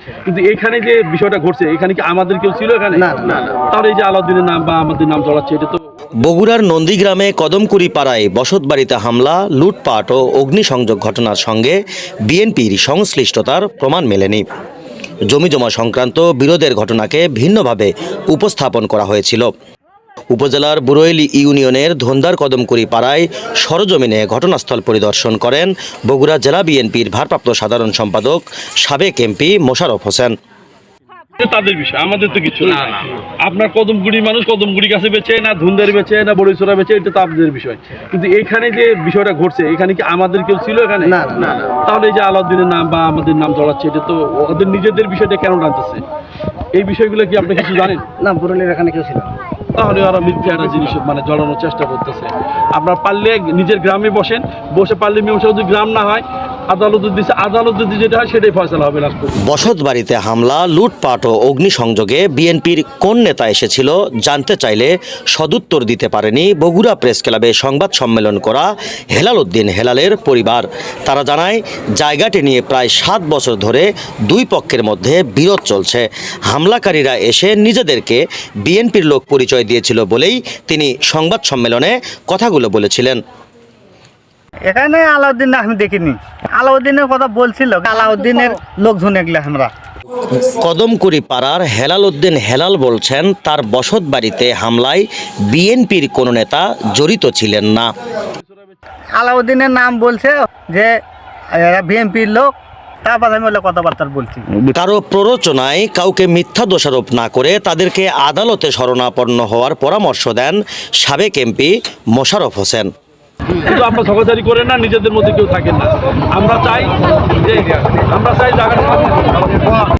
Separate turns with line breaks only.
কিন্তু এখানে যে বিষয়টা ঘটছে, এখানে কি আমাদের কেউ ছিল এখানে?
না না
তাহলে এই যে আলাউদ্দিনের নাম বা আমাদের নাম চলাচ্ছে, এটা তো
বগুড়ার নন্দীগ্রামে কদমকুড়ি পাড়ায় বসতবাড়িতে হামলা, লুটপাট ও অগ্নিসংযোগ ঘটনার সঙ্গে বিএনপির সংশ্লিষ্টতার প্রমাণ মেলেনি। জমিজমা সংক্রান্ত বিরোধের ঘটনাকে ভিন্নভাবে উপস্থাপন করা হয়েছিল। উপজেলার বুরৈল ইউনিয়নের ধন্দার কদমকুড়ি পাড়ায় সরজমিনে ঘটনাস্থল পরিদর্শন করেন বগুড়া জেলা বিএনপির ভারপ্রাপ্ত সাধারণ সম্পাদক সাবেক এমপি মোশাররফ হোসেন।
তাদের বিষয়, আমাদের তো কিছু না। আপনার কদমগুড়ি মানুষ কদমগুড়ি কাছে বেচে না, ধুন্দের বেচে না, বড়ইছড়া বেচে, এটা তো আপনাদের বিষয়। কিন্তু এখানে যে বিষয়টা ঘটছে, এখানে কি আমাদের কেউ ছিল এখানে?
না না
তাহলে এই যে আলাউদ্দিনের নাম বা আমাদের নাম চলাচ্ছে, এটা তো ওদের নিজেদের বিষয়টা কেন টানতেছে? এই বিষয়গুলো কি আপনি কিছু জানেন?
না, বুরুলের এখানে কেউ ছিল না।
তাহলে ওরা মিথ্যা একটা জিনিস মানে জড়ানোর চেষ্টা করতেছে। আপনার পারলে নিজের গ্রামে বসেন, বসে পারলে মীমাংসা যদি গ্রাম না হয়, আদালতের দিচ্ছে, আদালতের যেটা হয় সেটাই ফয়সালা হবে লাস্ট পর্যন্ত।
বসতবাড়িতে হামলা, লুটপাট ও অগ্নিসংযোগে বিএনপির কোন নেতা এসেছিল জানতে চাইলে সদুত্তর দিতে পারেনি বগুড়া প্রেস ক্লাবে সংবাদ সম্মেলন করা হেলাল উদ্দিন হেলালের পরিবার। তারা জানায়, জায়গাটি নিয়ে প্রায় 7 বছর ধরে দুই পক্ষের মধ্যে বিরোধ চলছে। হামলাকারীরা এসে নিজেদেরকে বিএনপির লোক পরিচয় দিয়েছিল বলেই তিনি সংবাদ সম্মেলনে কথাগুলো বলেছিলেন।
এখানে আলাউদ্দিন আমি দেখিনি, আলাউদ্দিনের কথা বলছিল, আলাউদ্দিনের লোকজন এগুলো আমরা।
কদমকুড়ি পাড়ার হেলাল উদ্দিন হেলাল বলছেন, তার বসত বাড়িতে হামলায় বিএনপির কোনো নেতা জড়িত ছিলেন না।
আলাউদ্দিনের নাম বলছে যে এরা বিএনপির লোক, তারপর আমি ওগুলো কথাবার্তা বলছি।
কারো প্ররোচনায় কাউকে মিথ্যা দোষারোপ না করে তাদেরকে আদালতে শরণাপন্ন হওয়ার পরামর্শ দেন সাবেক এমপি মোশাররফ হোসেন।
কিন্তু আপনারা ঝগড়াঝাড়ি করেন না, নিজেদের মধ্যে কেউ থাকেন না। আমরা চাই জায়গাটা